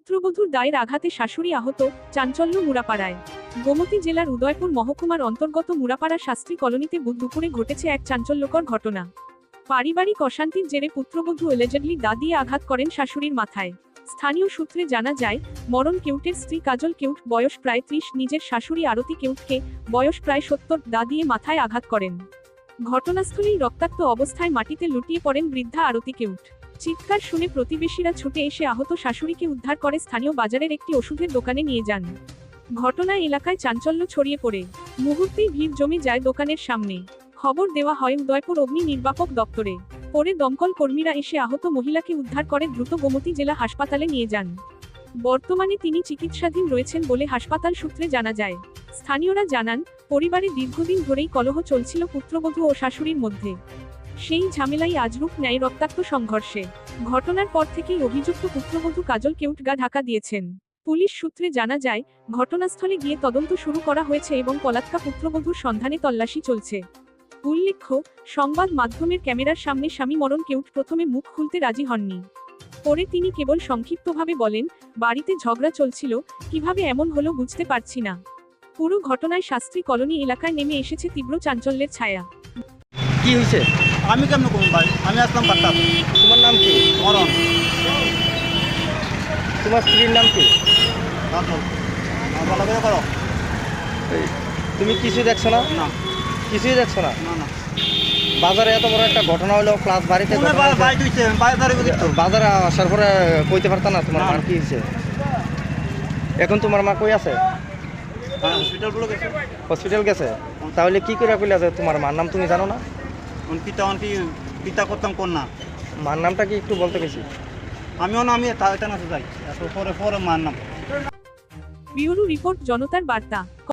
পুত্রবধূর দায়ের আঘাতে শাশুড়ি আহত, চাঞ্চল্য মুড়াপাড়ায়। গোমতী জেলার উদয়পুর মহকুমার অন্তর্গত মুড়াপাড়া শাস্ত্রী কলোনিতে বুধ দুপুরে ঘটেছে এক চাঞ্চল্যকর ঘটনা। পারিবারিক অশান্তির জেরে পুত্রবধূ এলিজেডলি দা দিয়ে আঘাত করেন শাশুড়ির মাথায়। স্থানীয় সূত্রে জানা যায়, মরণ কেউটের স্ত্রী কাজল কেউট, বয়স প্রায় 30, নিজের শাশুড়ি আরতি কেউটকে, বয়স প্রায় 70, দা দিয়ে মাথায় আঘাত করেন। ঘটনাস্থলেই রক্তাক্ত অবস্থায় মাটিতে লুটিয়ে পড়েন বৃদ্ধা আরতি কেউট। চিৎকার শুনে প্রতিবেশীরা ছুটে এসে আহত শাশুড়িকে উদ্ধার করে স্থানীয় বাজারের একটি ওষুধের দোকানে নিয়ে যান। ঘটনায় এলাকায় চাঞ্চল্য ছড়িয়ে পড়ে। মুহূর্তেই ভিড় জমে যায় দোকানের সামনে। খবর দেওয়া হয় উদয়পুর অগ্নি নির্বাপক দপ্তরে। পরে দমকল কর্মীরা এসে আহত মহিলাকে উদ্ধার করে দ্রুত গোমতী জেলা হাসপাতালে নিয়ে যান। বর্তমানে তিনি চিকিৎসাধীন রয়েছেন বলে হাসপাতাল সূত্রে জানা যায়। স্থানীয়রা জানান, পরিবারে দীর্ঘদিন ধরেই কলহ চলছিল পুত্রবধূ ও শাশুড়ির মধ্যে। সেই ঝামেলাই আজ রূপ নেয় রক্তাক্ত সংঘর্ষে। ঘটনার পর থেকেই অভিযুক্ত পুত্রবধূ কাজল কেউট গা ঢাকা দিয়েছেন। পুলিশ সূত্রে জানা যায়, ঘটনাস্থলে গিয়ে তদন্ত শুরু করা হয়েছে এবং পলাতকা পুত্রবধূর সন্ধানে তল্লাশি চলছে। উল্লেখ্য, সংবাদ মাধ্যমের ক্যামেরার সামনে স্বামী মরণ কেউট প্রথমে মুখ খুলতে রাজি হননি। পরে তিনি কেবল সংক্ষিপ্তভাবে বলেন, বাড়িতে ঝগড়া চলছিল, কিভাবে এমন হলো বুঝতে পারছি না। পুরো ঘটনায় শাস্ত্রী কলোনি এলাকায় নেমে এসেছে তীব্র চাঞ্চল্যের ছায়া। কি হয়েছে? আমি কেমন করবো ভাই? আমি আসলাম বার্তা। তোমার নাম কি? মরণ তোমার স্ত্রীর নাম কি? ভালো করে করো। এই, তুমি কিছুই দেখছো না? না কিছুই দেখছো না? না না, বাজারে এত বড় একটা ঘটনা হলো, প্লাস বাড়িতে ঘটনা হয়েছে। বাইক হইছে, বাইক ধরে দিত। বাজারে আসার পরে কইতে পারতা না তোমার না। মার কি হয়েছে? এখন তোমার মা কই আছে? হ্যাঁ, হসপিটাল গুলো গেছে। হসপিটাল গেছে? তাহলে কি করে কইলা যে তোমার মার নাম তুমি জানো না? পিতা করতাম কন্যা। মার নামটা কি একটু বলতে গেছি? আমিও না, আমি তাতে না যাই এত পরে মার নাম। ব্যুরো রিপোর্ট, জনতার বার্তা।